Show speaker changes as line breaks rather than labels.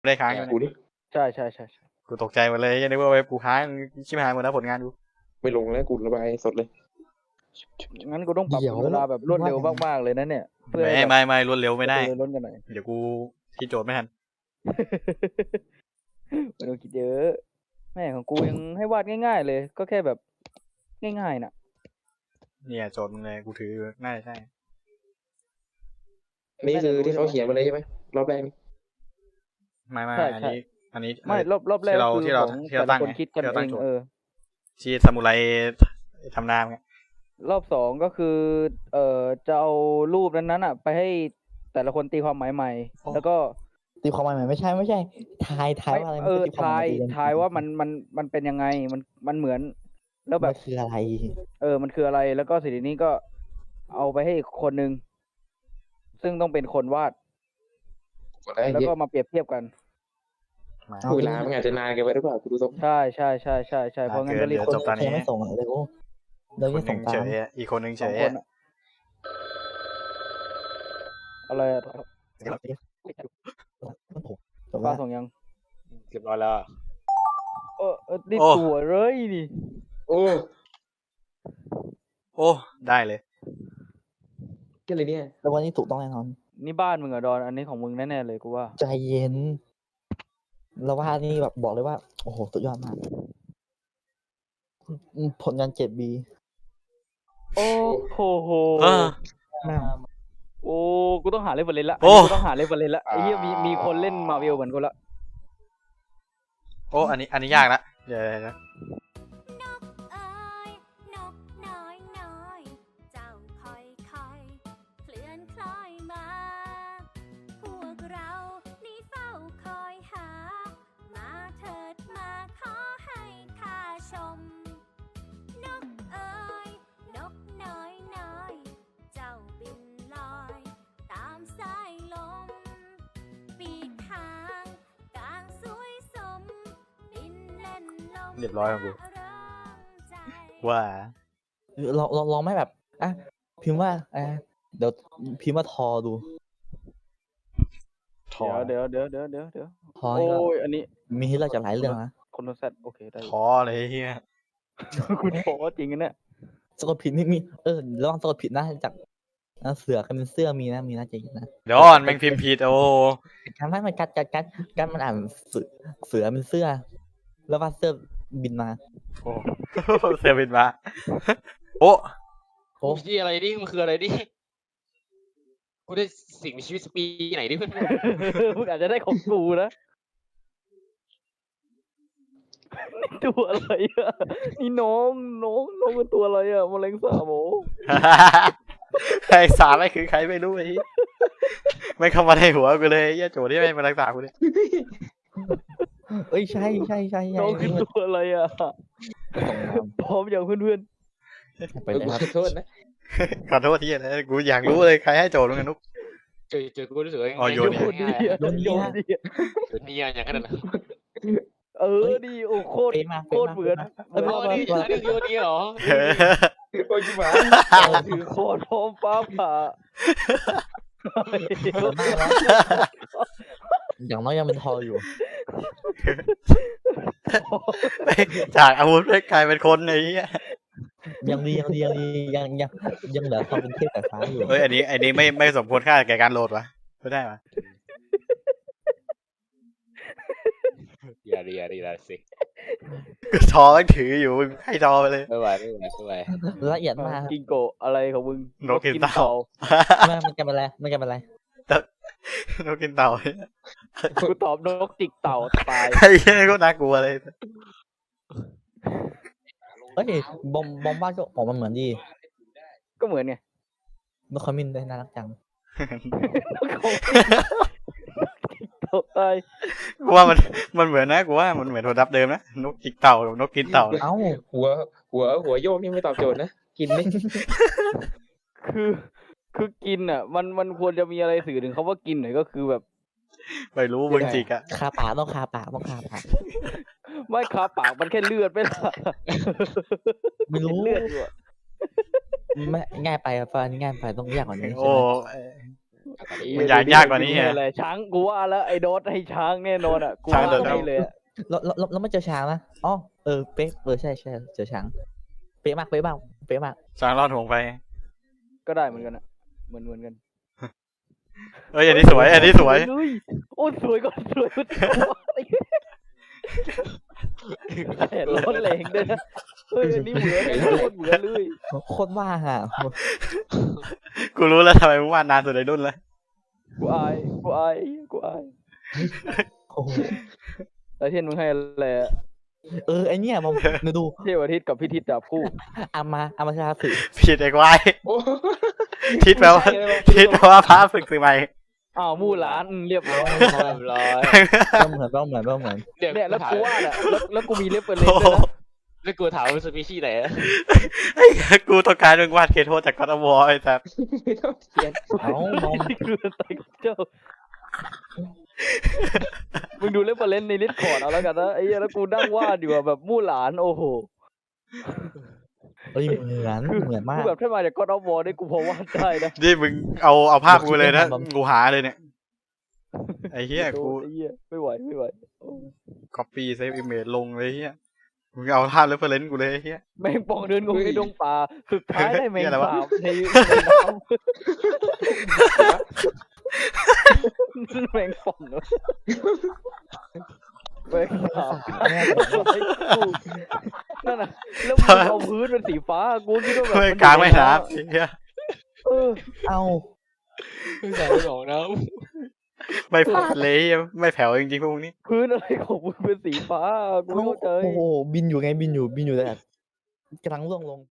ได้ค้างอยู่
กู
เนี่ย
ดิ
ใช่
กูตกใจหมดเลยยังนึกว่าเว็บกูค้างชิบหายหมดแล้วผลงานกู
ไม่ลงแล้วกูระบายสดเลย
งั้นกูต้องปรับเวลาแบบรวดเร็วมากๆเลยนะเนี่ยเพื่อ
ไม่รวดเร็วไม่ได้
ล้นกันหน่อย
เดี๋ยวกูคิดโจทย์ไม่ทัน
ไม่ต้องคิดเยอะแม่ของกูยังให้วาดง่ายๆเลย ก็แค่แบบง่ายๆน่ะ
เนี่ยโจทย์มึงเลยกูถือน่าจะใช่
นี่คือที่เขาเขียนมาเลยใช่ไหมรอบแรกนี่
ไม่
ใช่
อันนี้
ไม่รอบแรกคือ
ที่เรา
ของ
ที่เรา
แต่
ตั้
ละ
ง
คน
ไง
คิดกัน
ที่เรา
เอ
ตั้ง
ง
โจทย์ ที่ซามูไรทำนามไง
รอบสองก็คือจะเอารูปนั้นๆอ่ะ ไปให้แต่ละคนตีความหมายใหม่ แล้วก็
ตีความหมายใหม่ไม่ใช่ทายว่าอะไร
ทายว่ามันเป็นยังไงมันเหมือน แล้วแบ
แบบ บคืออะไร
มันคืออะไรแล้วก็สิ่งนี้ก็เอาไปให้อีกคนนึงซึ่งต้องเป็นคนวาด
กดได้
แล้ว
เย
ก็
อะ
มาเปรียบเทียบกัน
มา
เอา
เวลามันอาจจะนานเกันไปหรือเปล่ากูดูทรง
ใช่เพราะงั้นก็รีบ
จบตอนนี้
ยังไม่ส่งอ่ะเลยโอ้เรา
ค
จะ
นห
ส่
นึ่
ง
ง
ตา
เฉ
ม
ยอีกคนหนึ่งเฉ
สอง
ย
คนอะอะไรอะ
จบ
ป้า
แล้ว
ส่งยัง
เรียบร้อยแล้ว
นี่ตัวเลยนี่
โอ้
โอ้ได้เลย
ก็เลยเนี่ย
แล้ววันนี้ถูกต้องแน่นอน
นี่บ้านมึงเหรอดอนอันนี้ของมึงแน่ๆเลยกูว่า
ใจเย็นแล้วว่านี่แบบบอกเลยว่าโอ้โหสุดยอดมากผลงาน 7B
โอ้โห
เออ
แม่ง
โอ้กูต้องหาเรฟเฟอเรนซ์ละ
โอ้
กูต้องหาเรฟเฟอเรนซ์ละไอ้เหี้ยมีคนเล่นมาเวลเหมือนกูละ
โอ้อันนี้ยากละเดี๋ยวนะ
นกเอ๋ยนกน้อยน้อยเจ้าค่อยค่อยเคลื่อนคล้อยมา พวกเรานี่เฝ้าคอยหา มาเถิดมาขอให้ข้าชม นกเอ๋ยนกน้อยน้อยเจ้าบินลอยตามสายลม ปีกหางกลางสวยสม บินเล่นลม
เรียบร้อยของกู
เริงใจ
ว่า
ลองไม่แบบอ่ะพิมพ์ว่าเดี๋ยวพิมพ์ว่าทอดู
ถอ
เดี๋ยว
ทอ
โอ้
นี่ก็
ยอันนี้
มีให้เลือกจากหลายเรื่องนะ
คนแซดโอเคได้
ท้อเลยเฮีย
กูท้อจริงอันเนี่ย
สะกดผิดนี่มีระวังสะกดผิดนะจากเสือกันเป็นเสื้อมีนะใจเย็นนะ
เดี๋ยวอ่อนแม่งพิมพ์ผิดโอ้
การไม่มันการมันอ่านเสือเป็นเสื้อ แล้วว่าเสื้อบินมา
โอ้เซอร์วิสมาโอ้
โอ้
ที่อะไรนี่มันคืออะไรนี่กูได้สิ่งมีชีวิตสปีไหนดิเพื่อน
มึงอาจจะได้ของกูนะนี่ตัวอะไรอ่ะนี่น้องเป็นตัวอะไรอ่ะแมลงสาบโห
ไอ้สารอะไรคือใครไม่รู้ไอ้เหี้ยไม่เข้ามาในหัวกูเลยไอ้เหี้ยโจทย์ที่ไม่มารักษากูเนี่ย
เอ้ยใช่
น้องคือตัวอะไรอ่ะ
ส่งมา
พร้อมอย่างเพื่อน
ไปเลยครับ
ขอโทษนะ
ขอโทษที่อะไรกูอยากรู้เลยใครให้โจทย์มึงกันนุ๊ก
เจอกูรู้สึกว่า
อ๋อ
ๆ
โยน
โยนดีอ่ะโยนดีอ่ะ
นี่อย่างนั้นนะ
ดีโอ้โคตร
เป๊ะมาก
โคตรเหมือน
โอ้นี่อย่างนั้นโยนนี่เหรอ
โอ้ยจิ๋ว
ถือโคตรพร้อมฟ้าผ่า
อย่างน้อยยังเป็นทออยู่
จากอาวุธกลายเป็นคนไอ้เหี้ย
ยังเหลือความเป็นเทพสายฟ้าอยู่
เฮ้ยอันนี้ไม่สมควรค่าแก่การโหลดวะไม่ได้วะ
อย่าสิ
กูทอแม่งถืออยู่มึงให้ทอไปเลย
ไม่ไหว
ละเอียดมาก
กิงโกะอะไรของมึง
นกกินเต่า
มันจะเป็นอะไร
นกกินเต่า
กูตอบนกจิกเต่าตาย
ไอ้เหี้ยก็น่ากลัวเลย
เอ้ยบอมบ้านก็ออกมาเหมือนดี
ก็เหมือนไง
นกขมิ้นด้วยน่ารักจัง
นกของเต่าตาย
กูว่ามันเหมือนนะกูว่ามันเหมือนโทรศัพท์เดิมนะนกจิกเต่ากับนกกินเต่า
เอ้า
หัวโยกนี่ไม่ตอบโจทย์นะกินไหม
คือกินอ่ะ มันควรจะมีอะไรสื่อถึงเขาว่ากินหน่อยก็คือแบบ
ไม่รู้มึงจิกอะ
คาปากต้องคาปาก
ไม่คาปากมันแค่เลือดไปละ
ไม่รู้
เลือดอยู่อะ
ไม่ง่ายไปอ่ะฟ้านี่ง่ายไปต้องยากกว่านี้ใช่
โอ้
ไหม
มันยากยากกว่านี้ไง
อะไรช้างกูว่าแล้วไอ้โดสให้ช้างแน่นอนอ่ะกู
ช้าง
ว่า
โดด
ให้เลยอะ
แล้วไม่เจอช้างนะอ๋อเป๊ะใช่เจอช้างเป๊ะมากเป๊ะมาก
ช้างรอดห่วงไป
ก็ได้เหมือนกันอ่ะเหมือนกัน
เอ้ยอันนี้สวยอันนี้สวย
เฮ้โอ้ยสวยก็สวยก็แต่ร้อนแรงด้วยนะเฮ้ยอันนี้เหมือนเหมือนเลย
โคตรว่างอ่ะ
กูรู้แล้วทำไมมึงวาดนานสุดในรุ่นแล้ว
กูอาย
โอ้โห
แต่เทียนมึงให้อะไรอะ
ไอเนี่ยผมดู
เทวทิศกับพิทิศจับคู่
อามาชาสึ
ผิดไอ้ควาย
โอ้
ทิศแปลว่าทิศแปลว่าพระฝึกสื่อใหม่
อ้าวมู่หลานเรียบร้อย
เรียบร้อย
ก็เหมือน
เนี่ยแล้วกูว่าน่ะแล้วกูมีเล็บเปิดเล็
โอ้
บ
โห
ด้วยนะ
แล้วกูถามว่าสปีชีส์ไหนอะ
ไอ้กูต้องการมึงวาดเคโทจากกอตวอไอ้สัส
ไม่ต้องเขียน
เอามอง
นี่คืออะไรเจ้ามึงดูเล็บเปิดเล็บในลิสต์คอร์ดเอาแล้วกันนะไอ้เหี้ยแล้วกูนั่งวาดอยู่อะแบบมู่หลานโอ้โห
เหมือนมา
คื
ก
อแบบถ้ามาจากก็อดอฟวอร์ได้กูพอวาดได้นะ
นี่มึงเอาภาพกูเลยนะ
ผม
กูหาเลยเนี่ยไอ้เหี้ยกู
ไอ้เหี้ยไม่ไหวโอ้
copy save image ลงเลยเหี้ยมึงเอาภาพ reference กูเลยไอ้เหี้ย
แมงป่องเดินงงในดงป่าสุดท้ายได้แมง
เหี้ยอะไรวะ
สาบในน้ำแมงป่องเหรอแมงสาบนั่นน่ะแล้วมึงเอาพื้นเป็นสีฟ้ากูคิดว่าแบบ
ไม่
มัน
กลางไม่
อยู่ใน
น้ำไอ้เหี้ย
เออ
เอา
ใส่หนองน้
ไม่พลาดเลยเหี้ยไม่แผ่วจริงๆพวกนี้
พื้นอะไรของมึงเป็นสีฟ้ากูไม่เข้าใจ
โอ้โหบินอยู่แต่กำลังล่วงลง